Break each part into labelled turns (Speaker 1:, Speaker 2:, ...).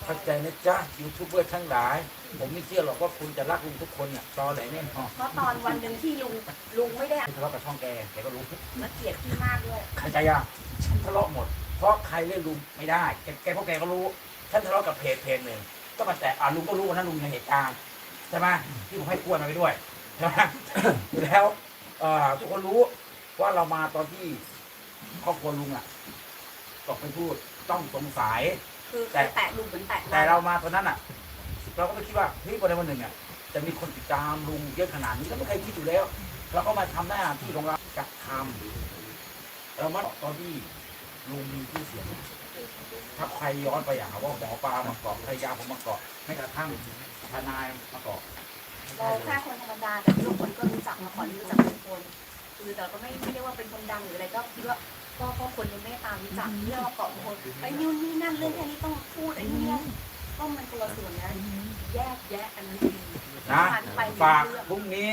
Speaker 1: เข้าใจนะจ๊ะยูทูบเบอร์ทั้งหลายผมไม่เชื่อหรอกว่าคุณจะรักลุงทุกคนเนี่ยตอแหลแน่นอน
Speaker 2: เพราะตอนวันหนึ่งที่ลุงไม่ได้
Speaker 1: ทะเลาะกับช่องแกก็รู้
Speaker 2: มาเกลียดพี่มากด้วย
Speaker 1: เข้าใจยังฉันทะเลาะหมดเพราะใครเล่นลุงไม่ได้แกพวกแกก็รู้ฉันทะเลาะกับเพจหนึ่งก็มาแต่ลุงก็รู้ว่านั้นลุงในเหตุการณ์ใช่ไหมที่ผมให้กล้วยมาไปด้วยใช่ไหม แล้วทุกคนรู้ว่าเรามาตอนที่ครอบครัวลุงตกเป็นผู้ต้องสงสัย
Speaker 2: คือแตะลุงเหมือนแตะ
Speaker 1: แต่เรามาตอนนั้นเราก็ไม่คิดว่าเฮ้ยวันใดวันหนึ่งจะมีคนติดตามลุงเยอะขนาดนี้เราไม่เคยคิดอยู่แล้วเราก็มาทำหน้าที่ของเราจัดทำเรามาตอนที่ลุงมีชื่อเสียงถ้าใครย้อนไปหาว่าหมอปลามาเกาะภรรยาผมมาเกาะไม่กระทั่งทนายมาเกาะ
Speaker 2: เราแค่คนธรรมดาแต่ทุกคนก็รู้จักมาก่อนรู้จักทุกคนคือแต่ก็ไม่ได้ว่าเป็นคนดังหรืออะไรก็คิดว่าก็คนยังไม่ตามรู้จักเรื่องมาเกาะคนไอ้นู่นนี่นั่นเรื่องแค่นี้ต้องพูดไอ้นี่ก็มันคนละส่วนนะแยกแยะอันนั้นดี
Speaker 1: นะฝากพรุ่งนี้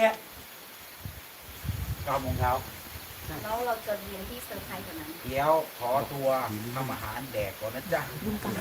Speaker 1: 9 โมงเช้า
Speaker 2: แล้วเราจะเรียนที่เซอร์ไพรส์กว่านั้น
Speaker 1: เดี๋ยวขอตัวทำอาหารแดกก่อนนะจ๊ะ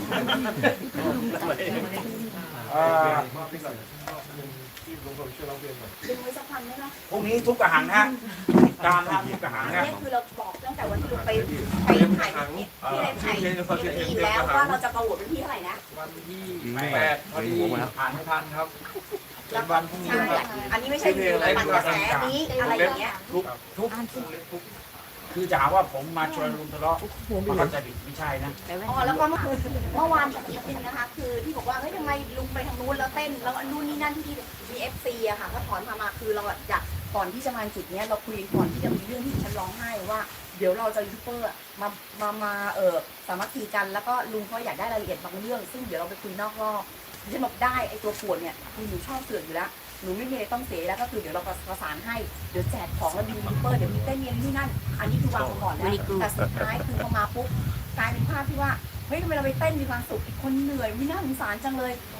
Speaker 2: ดึงไว้สักพันได้ไหม
Speaker 1: พรุ่งนี้ทุกกระหังฮะตามนะทุกกระหัง
Speaker 2: อัน
Speaker 1: ฮะ
Speaker 2: นี้คือเราบอกตั้งแต่วันที่เราไปถ่ายที่ได้ถ่ายทีแล้วว่าเราจะประกวดเป็นที่เท่าไหร่นะ
Speaker 3: วันที่8พอดีผ่านไม่ทันครับ
Speaker 2: แล้ว
Speaker 3: วันพรุ่งนี้
Speaker 2: ใช่
Speaker 3: ครับ
Speaker 2: อันนี้ไม่ใช่ปั่นกระแสนี้อะไรอย่างเงี้ย
Speaker 1: ทุกคือจะหาว่าผมมาชวนลุงทะเลาะมาเข้าใจผิดไม่ใช่นะ
Speaker 2: อ๋อแล้วก็เมื่อวานอีกนิดนึงนะคะ คือที่บอกว่าเฮ้ยทำไมลุงไปทางนู้นแล้วเต้นแล้วนู่นนี่นั่นที่มีFCอะค่ะก็ถอนมาคือเราอยากก่อนที่จะมาจุดเนี้ยเราคุยก่อนที่จะมีเรื่องที่ฉันร้องไห้ว่าเดี๋ยวเราจะยูทูบเบอร์มาสามัคคีกันแล้วก็ลุงเขาอยากได้รายละเอียดบางเรื่อง ซึ่งเดี๋ยวเราไปคุยนอกรอบฉันบอกได้ไอตัวปวดเนี่ยคือหนูชอบเสือกอยู่แล้วหนูไม่มีอะไรต้องเสียแล้วก็คือเดี๋ยวเราประสานให้เดี๋ยวแจกของแล้วมียูทูบเบอร์เดี๋ยวมีเต้นเย็นนี่นั่นอันนี้คือวางมาก่อนแล้วแต่สุดท้ายคือพอมาปุ๊บกลายเป็นภาพที่ว่าเฮ้ยทำไมเราไปเต้นมีความสุขอีกคนเหนื่อยไม่น่าสงสารจังเลย